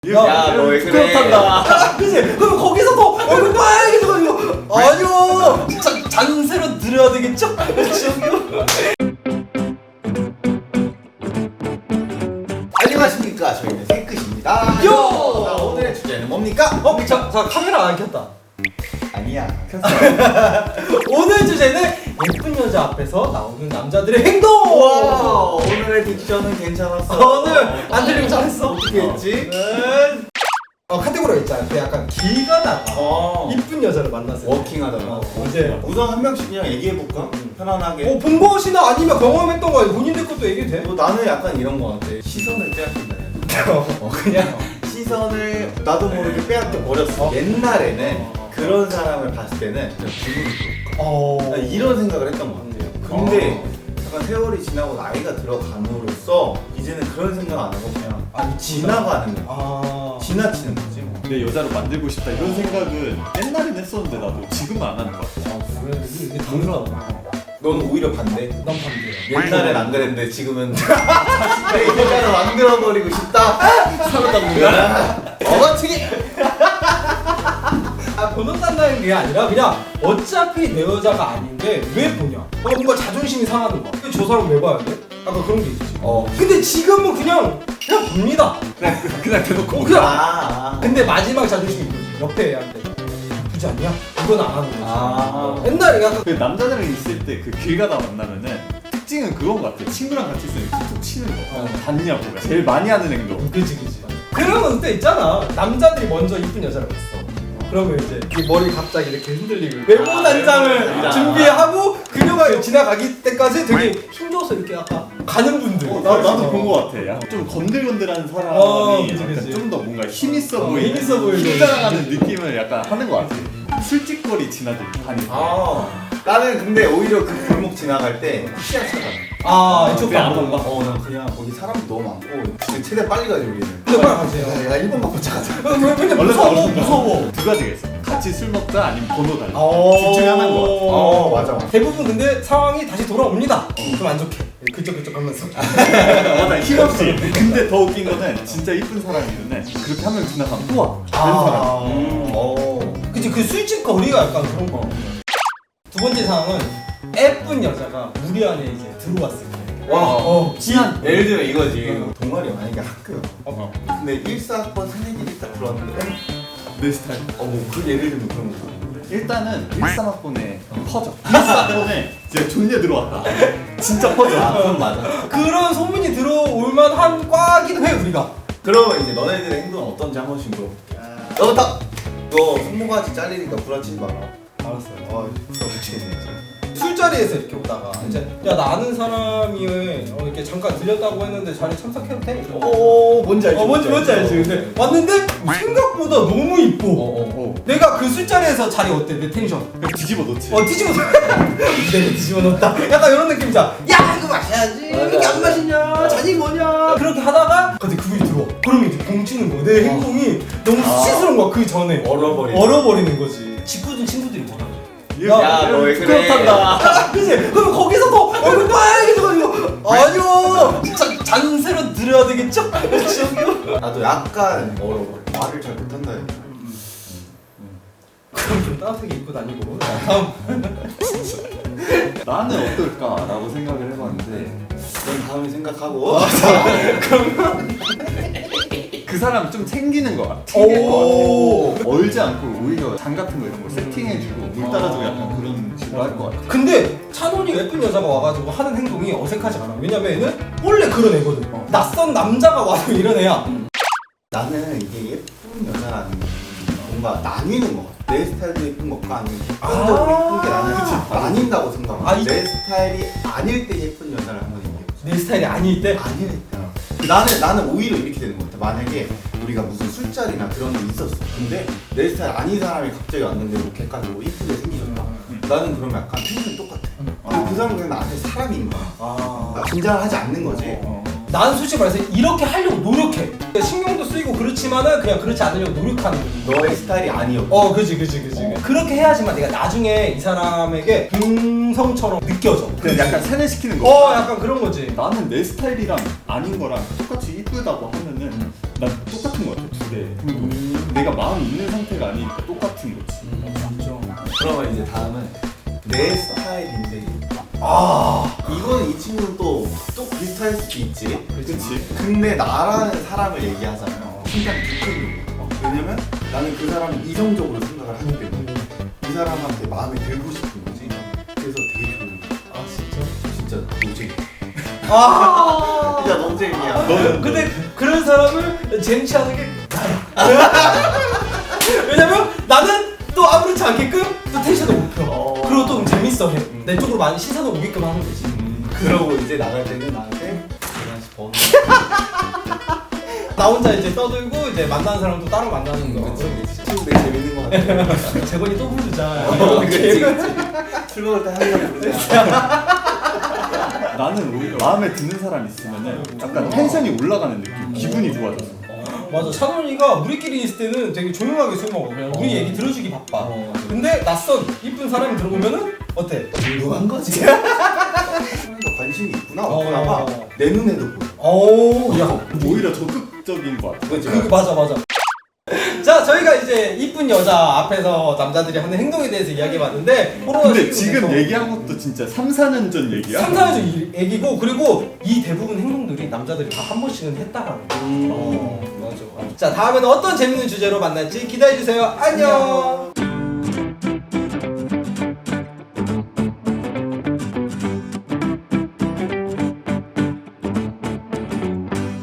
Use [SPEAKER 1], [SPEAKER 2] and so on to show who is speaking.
[SPEAKER 1] 야, 너 왜 그래?
[SPEAKER 2] 부끄럽단다. 그치? 그럼 거기서 더 얼굴 빨개져가지고 아니요 잔새로 들어야 되겠죠?
[SPEAKER 1] 안녕하십니까, 저희는 생끝입니다.
[SPEAKER 2] 요!
[SPEAKER 1] 자, 오늘의 주제는 뭡니까?
[SPEAKER 2] 자 카메라 안 켰다.
[SPEAKER 1] 아니야.
[SPEAKER 2] 오늘 주제는 예쁜 여자 앞에서 나오는 남자들의 행동!
[SPEAKER 1] 와, 오늘의 딕션은 괜찮았어.
[SPEAKER 2] 오늘 안 들리면 잘했어.
[SPEAKER 1] 어떻게 했지?
[SPEAKER 2] 카테고리가 있잖아. 그 약간 길 가다가 이쁜 여자를 만났을 때
[SPEAKER 1] 워킹하다가.
[SPEAKER 2] 이제
[SPEAKER 1] 우선 한 명씩 그냥 얘기해볼까? 편안하게.
[SPEAKER 2] 본 것이나 아니면 경험했던 거 본인들 것도 얘기해도 돼?
[SPEAKER 1] 나는 약간 이런 거 같아. 시선을 빼앗긴다. 그냥 시선을 나도 모르게 빼앗겨 버렸어. 옛날에는 그런 사람을 봤을 때는 그냥 기분이 좋을까? 이런 생각을 했던 것 같아요. 근데 약간 세월이 지나고 나이가 들어감으로써 이제는 그런 생각 안 하고 그냥 지나가는 거야. 지나치는 거지.
[SPEAKER 3] 내 여자로 만들고 싶다 이런 생각은 옛날엔 했었는데 나도 지금은 안 하는 것 같아.
[SPEAKER 2] 그래 이게 당연하다.
[SPEAKER 1] 넌 오히려 반대.
[SPEAKER 2] 난 반대야.
[SPEAKER 1] 옛날엔 안 그랬는데 지금은 자신의 여자로 만들어버리고 싶다. 살았던 거야. 어거치기.
[SPEAKER 2] 번호 딴다는 게 아니라 그냥 어차피 내 여자가 아닌데 왜 보냐? 뭔가 자존심이 상하는 거야. 저 사람 왜 봐야 돼? 약간 그런 게 있지. 근데 지금은 그냥 봅니다.
[SPEAKER 3] 그냥 대놓고
[SPEAKER 2] 그냥. 근데 마지막 자존심이 있지. 옆에 애한테 굳이 않냐? 이건 안 하는 거지. 옛날에 약간
[SPEAKER 3] 그 남자들이랑 있을 때 그 길 가다 만나면은 특징은 그건 것 같아. 친구랑 같이 있으면 툭툭 치는 거. 봤냐고. 제일 많이 하는 행동.
[SPEAKER 2] 그치. 그러면 그때 있잖아. 남자들이 먼저 이쁜 여자를 봤어. 그러면 이제 이 머리 갑자기 이렇게 흔들리고 외모 단장을 준비하고 그녀가 지나가기 때까지 되게 힘줘서 이렇게 약간 가는 분들.
[SPEAKER 3] 나도 본 것 같아. 약간 좀 건들건들한 사람이
[SPEAKER 2] 그치.
[SPEAKER 3] 좀 더 뭔가 힘 있어 보이고
[SPEAKER 2] 힘 있어 보이고.
[SPEAKER 3] 힘자랑하는 느낌을 약간 하는 것 같아. 술집거리 다니고.
[SPEAKER 1] 나는 근데 오히려 그 골목 지나갈 때 시야 차가.
[SPEAKER 2] 이쪽
[SPEAKER 3] 안
[SPEAKER 2] 봐.
[SPEAKER 3] 봐.
[SPEAKER 1] 난 그냥 거기 사람도 너무 많고 최대한 빨리 가지 우리는.
[SPEAKER 2] 근데 빨리 가세요.
[SPEAKER 1] 야 1번 받고 차가자.
[SPEAKER 2] 근데
[SPEAKER 3] 원래
[SPEAKER 2] 무서워.
[SPEAKER 3] 두 가지가 있어. 같이 술 먹자 아니면 번호 달라. 둘 중에 하나인 것 같아.
[SPEAKER 1] 맞아.
[SPEAKER 2] 대부분 근데 상황이 다시 돌아옵니다. 좀 안 좋게. 그쪽 하면서.
[SPEAKER 3] 맞아, 힘없이. 근데 더 웃긴 거는 진짜 이쁜 사람이면 그렇게 한 명 지나가면 또 와. 다른 사람.
[SPEAKER 2] 그치 그 술집 거리가 약간 그런 거. 두 번째 상황은 예쁜 여자가 우리 안에 이제 들어왔을 때.
[SPEAKER 1] 친한. 예를 들면 이거지. 동아리 만약에 학교. 근데 1사학번 새내기들이 딱 들어왔는데
[SPEAKER 3] 내 스타일.
[SPEAKER 1] 그 예를 들면 그런 거.
[SPEAKER 3] 일단은 13학번에 퍼져. 14학번에 진짜 존재 들어왔다. 진짜 퍼져.
[SPEAKER 1] 그건 맞아.
[SPEAKER 2] 그런 소문이 들어올 만한 과기도 해 우리가.
[SPEAKER 1] 그러면 이제 너네들의 행동은 어떤지 한 번씩 물어볼게. 너부터. 너 손모가지 잘리니까 부러치지 마라.
[SPEAKER 2] 알았어요.
[SPEAKER 1] 미치겠네.
[SPEAKER 2] 술자리에서 이렇게 오다가 이제 야 나 아는 사람이 이렇게 잠깐 들렸다고 했는데 자리 참석해도 돼?
[SPEAKER 1] 뭔지 알지?
[SPEAKER 2] 뭔지 알지? 근데 왔는데 생각보다 너무 이뻐. 내가 그 술자리에서 자리 어때? 내 텐션.
[SPEAKER 3] 그냥 뒤집어 놓지.
[SPEAKER 2] 뒤집어 내가 뒤집어 놓다. 약간 이런 느낌이잖아. 야 이거 마셔야지. 이게 안 마시냐? 잔이 뭐냐? 그렇게 하다가 근데 그분이 들어와. 그러면 이제 봉치는 거야. 내 행동이 너무 수치스러운 거야. 그 전에 얼어버리는 거지. 짓궂은 친구들이 뭐라 그래?
[SPEAKER 1] 야, 너 왜 그래?
[SPEAKER 2] 부끄럽단다. 그치? 그럼 거기서 더 얼굴 빨개져가지고 아니요 잔새로 들어야 되겠죠?
[SPEAKER 1] 나도 약간 얼어버려. 말을 잘 못한다.
[SPEAKER 2] 그럼 좀 따뜻하게 입고 다니고. 다음.
[SPEAKER 3] 나는 어떨까라고 생각을 해봤는데
[SPEAKER 1] 넌 다음에 생각하고.
[SPEAKER 3] 그 사람 좀 챙기는 것 같아. 챙길 것 같아. 얼지 않고 오히려 장 같은 거 이런 거 세팅해주고 물 따라주고 약간 그런 식으로 할 것 같아.
[SPEAKER 2] 근데 찬원이 예쁜 여자가 와가지고 하는 행동이 어색하지 않아. 왜냐면 얘는 원래 그런 애거든. 낯선 남자가 와서 이런 애야.
[SPEAKER 1] 나는 이게 예쁜 여자라는 게 뭔가 나뉘는 것 같아. 내 스타일도 예쁜 것과 아니면 객관적으로 예쁜 게 나는 나뉜다고 생각해. 내 스타일이 아닐 때 예쁜 여자를 한번 얘기해보자.
[SPEAKER 2] 내 스타일이 아닐 때?
[SPEAKER 1] 아닐 때. 나는 오히려 이렇게 되는 것 같아. 만약에 우리가 무슨 술자리나 그런 게 있었어. 근데 내 스타일 아닌 사람이 갑자기 왔는데 뭐 객관적으로 이쁘게 생기셨다. 나는 그러면 약간 텐션이 똑같아. 근데 그 사람은 그냥 나한테 사람인 거야. 긴장을 하지 않는 거지.
[SPEAKER 2] 나는 솔직히 말해서 이렇게 하려고 노력해. 신경도 쓰이고 그렇지만은 그냥 그렇지 않으려고 노력하는 거지.
[SPEAKER 1] 너의 스타일이 아니었고.
[SPEAKER 2] 그지. 그렇게 해야지만 내가 나중에 이 사람에게 동성처럼 느껴져.
[SPEAKER 3] 그냥 약간 세뇌시키는 거.
[SPEAKER 2] 약간 그런 거지.
[SPEAKER 3] 나는 내 스타일이랑 아닌 거랑 똑같이 이쁘다고 하면은 난 똑같은 거 같아. 때 내가 마음이 있는 상태가 아니니까 똑같은 거지.
[SPEAKER 1] 그러면 이제 다음은 내 스타일인데
[SPEAKER 2] 아
[SPEAKER 1] 이거는 이 친구는 또 비슷할 수도 있지.
[SPEAKER 3] 그치?
[SPEAKER 1] 근데 나라는 사람을 얘기하잖아요. 심장 두근거려. 왜냐면 나는 그 사람을 이성적으로 생각을 하기 때문에 이 사람한테 마음에 들고 싶은 거지. 그래서 되게 좋은 거야.
[SPEAKER 2] 아 진짜?
[SPEAKER 1] 진짜 노잼.
[SPEAKER 2] 아
[SPEAKER 1] 진짜 노잼이야.
[SPEAKER 2] 근데 그런 사람을 쟁취하는 게 나야. 왜냐면 나는 또 아무렇지 않게끔 또 텐션을 높여. 그리고 또 재밌어 해. 내 쪽으로 많이 시선을 오게끔 하는 거지.
[SPEAKER 1] 그러고 이제 나갈 때는 나한테 계란씩 번.
[SPEAKER 2] 나 혼자 이제 떠들고 이제 만나는 사람도 따로 만나는 거.
[SPEAKER 1] 친구 되게 재밌는 거 같아.
[SPEAKER 2] 재건이 또 부르자.
[SPEAKER 1] 그치. 술 먹을 때 항상 부르자.
[SPEAKER 3] 나는 오히려 마음에 드는 사람 있으면은 약간 텐션이 올라가는 느낌. 기분이 좋아져서.
[SPEAKER 2] 맞아. 찬원이가 우리끼리 있을 때는 되게 조용하게 술 먹어. 그냥 우리 얘기 들어주기 바빠. 근데 낯선 이쁜 사람이 들어오면은 어때?
[SPEAKER 1] 조용한 거지. 사람과 관심이 있구나 없구나 봐. 내 눈에도 보여.
[SPEAKER 2] 오, 야.
[SPEAKER 3] 오히려 적극적인 것 같아.
[SPEAKER 2] 그 맞아. 자, 저희가 이제 이쁜 여자 앞에서 남자들이 하는 행동에 대해서 이야기해봤는데
[SPEAKER 3] 근데 지금 얘기한 것도 진짜 3, 4년 전 얘기야?
[SPEAKER 2] 3, 4년 얘기고 그리고 이 대부분 행동들이 남자들이 다 한 번씩은 했다라는 거. 맞아. 자, 다음에는 어떤 재밌는 주제로 만날지 기대해주세요. 안녕.